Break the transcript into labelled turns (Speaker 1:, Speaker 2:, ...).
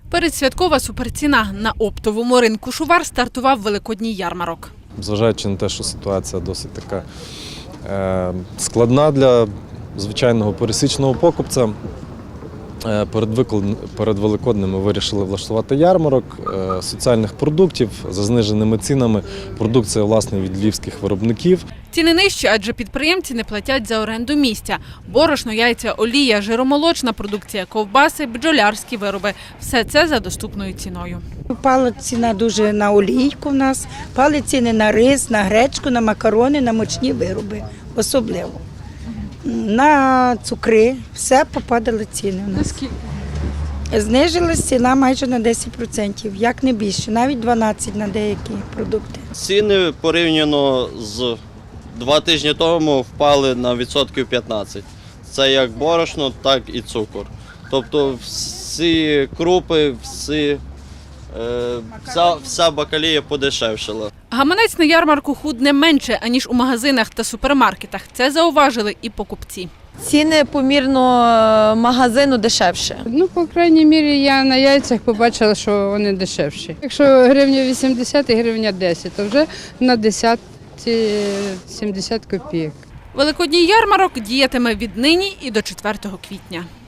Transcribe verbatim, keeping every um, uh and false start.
Speaker 1: Передсвяткова суперціна. На оптовому ринку Шувар стартував великодній ярмарок.
Speaker 2: Зважаючи на те, що ситуація досить така е, складна для звичайного пересічного покупця, е, перед, виклад... перед Великоднем ми вирішили влаштувати ярмарок е, соціальних продуктів за зниженими цінами. Продукція, власне, від львівських виробників.
Speaker 1: Ціни нижчі, адже підприємці не платять за оренду місця. Борошно, яйця, олія, жиромолочна продукція, ковбаси, бджолярські вироби – все це за доступною ціною.
Speaker 3: Впала ціна дуже на олійку в нас, впали ціни на рис, на гречку, на макарони, на мучні вироби, особливо. На цукри, все попадали ціни у нас.
Speaker 1: Наскільки?
Speaker 3: Знижилась ціна майже на десять відсотків, як не більше, навіть дванадцять відсотків на деякі продукти.
Speaker 4: Ціни порівняно з два тижні тому впали на відсотків п'ятнадцять. Це як борошно, так і цукор. Тобто всі крупи, всі, е, вся, вся бакалія подешевшила.
Speaker 1: Гаманець на ярмарку худне менше, аніж у магазинах та супермаркетах. Це зауважили і покупці.
Speaker 5: Ціни помірно магазину дешевше.
Speaker 6: Ну, по крайній мірі, я на яйцях побачила, що вони дешевші. Якщо гривня вісімдесят і гривня десять, то вже на десять сімдесят копійок.
Speaker 1: Великодній ярмарок діятиме віднині і до четвертого квітня.